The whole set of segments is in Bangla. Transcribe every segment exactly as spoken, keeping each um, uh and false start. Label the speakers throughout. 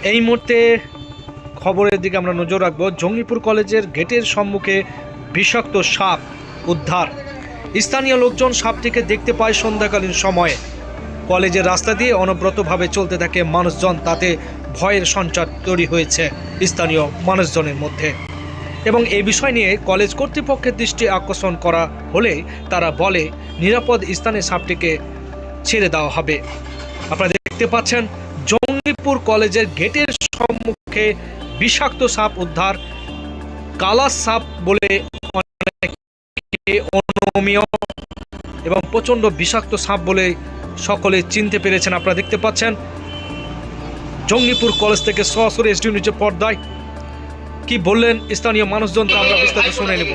Speaker 1: এই মুহূর্তে খবরের দিকে আমরা নজর রাখবো। জঙ্গিপুর কলেজের গেটের সম্মুখে বিষাক্ত সাপ উদ্ধার। স্থানীয় লোকজন সাপটিকে দেখতে পায় সন্ধ্যাকালীন সময়ে। কলেজের রাস্তা দিয়ে অনবরতভাবে চলতে থাকে মানুষজন, তাতে ভয়ের সঞ্চার তৈরি হয়েছে স্থানীয় মানুষজনের মধ্যে। এবং এই বিষয় নিয়ে কলেজ কর্তৃপক্ষের দৃষ্টি আকর্ষণ করা হলে তারা বলে নিরাপদ স্থানে সাপটিকে ছেড়ে দেওয়া হবে। আপনারা দেখতে পাচ্ছেন জঙ্গিপুর কলেজের গেটের সম্মুখে বিষাক্ত সাপ উদ্ধার। কালা সাপ বলে অনেকে অনমীয় এবং প্রচণ্ড বিষাক্ত সাপ বলে সকলে চিনতে পেরেছেন। আপনারা দেখতে পাচ্ছেন জঙ্গিপুর কলেজ থেকে সরাসরি এসডি নিউজের পর্দায় কি বললেন স্থানীয় মানুষজন, তা আমরা বিস্তারিত শুনে নেব।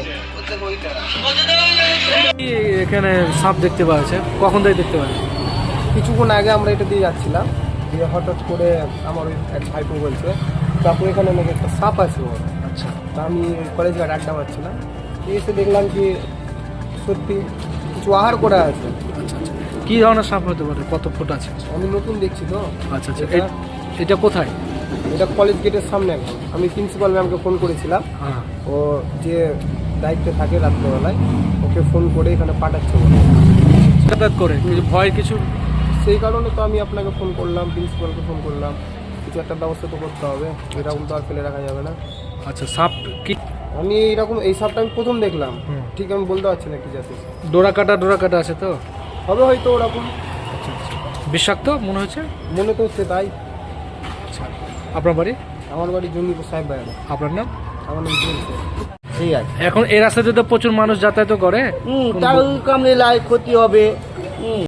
Speaker 2: এখানে সাপ দেখতে পাওয়া যাচ্ছে, কখন থেকে দেখতে পাওয়া যাচ্ছে?
Speaker 3: কিছুক্ষণ আগে আমরা এটা দিয়ে যাচ্ছিলাম, দিয়ে হঠাৎ করে আমার ওই এক ভাইপো বলছে তারপর এখানে নাকি একটা সাপ আছে ওর।
Speaker 2: আচ্ছা,
Speaker 3: তা আমি কলেজ ঘাট আড্ডা মারছিলাম, এসে দেখলাম কি সত্যি কিছু আহার করা আছে।
Speaker 2: আচ্ছা আচ্ছা কী ধরনের সাপ হতে পারে? কত ফুট আছে?
Speaker 3: আমি নতুন দেখছি তো।
Speaker 2: আচ্ছা আচ্ছা
Speaker 3: এটা
Speaker 2: এ- এটা কোথায়?
Speaker 3: এটা কলেজ গেটের সামনে একদম। আমি প্রিন্সিপাল ম্যামকে ফোন করেছিলাম,
Speaker 2: হ্যাঁ,
Speaker 3: ও যে দায়িত্বে থাকে রাত্রেবেলায় ওকে ফোন করে এখানে পাঠাচ্ছে বলে।
Speaker 2: যাতায়াত করে কিছু ভয় কিছু?
Speaker 3: সেই কারণে তো আমি আপনাকে ফোন করলাম, প্রিন্সিপালকে ফোন করলাম, কিছু একটা ব্যবস্থা তো করতে হবে, এরকম তো আর ফেলে রাখা যাবে না।
Speaker 2: আচ্ছা, সাপ কি
Speaker 3: আমি এইরকম এই সাপটা আমি প্রথম দেখলাম,
Speaker 2: হুম।
Speaker 3: ঠিক আমি বলতে পারছি না কি জাতি
Speaker 2: ডোরা কাটা ডোরা কাটা আছে তো?
Speaker 3: হবে, হয়তো ওরকম
Speaker 2: আচ্ছা আচ্ছা বিষাক্ত মনে হচ্ছে।
Speaker 3: মনে তো হচ্ছে তাই।
Speaker 2: আচ্ছা, আপনার বাড়ি?
Speaker 3: আমার বাড়ি জঙ্গিপুর সাহেব ভাই,
Speaker 2: আপনার নাম?
Speaker 3: আমার নাম চলছে। ঠিক আছে,
Speaker 2: এখন এই রাস্তাতে তো প্রচুর মানুষ যাতায়াত করে,
Speaker 4: হুম, তার কামড়ে লাই ক্ষতি হবে। হুম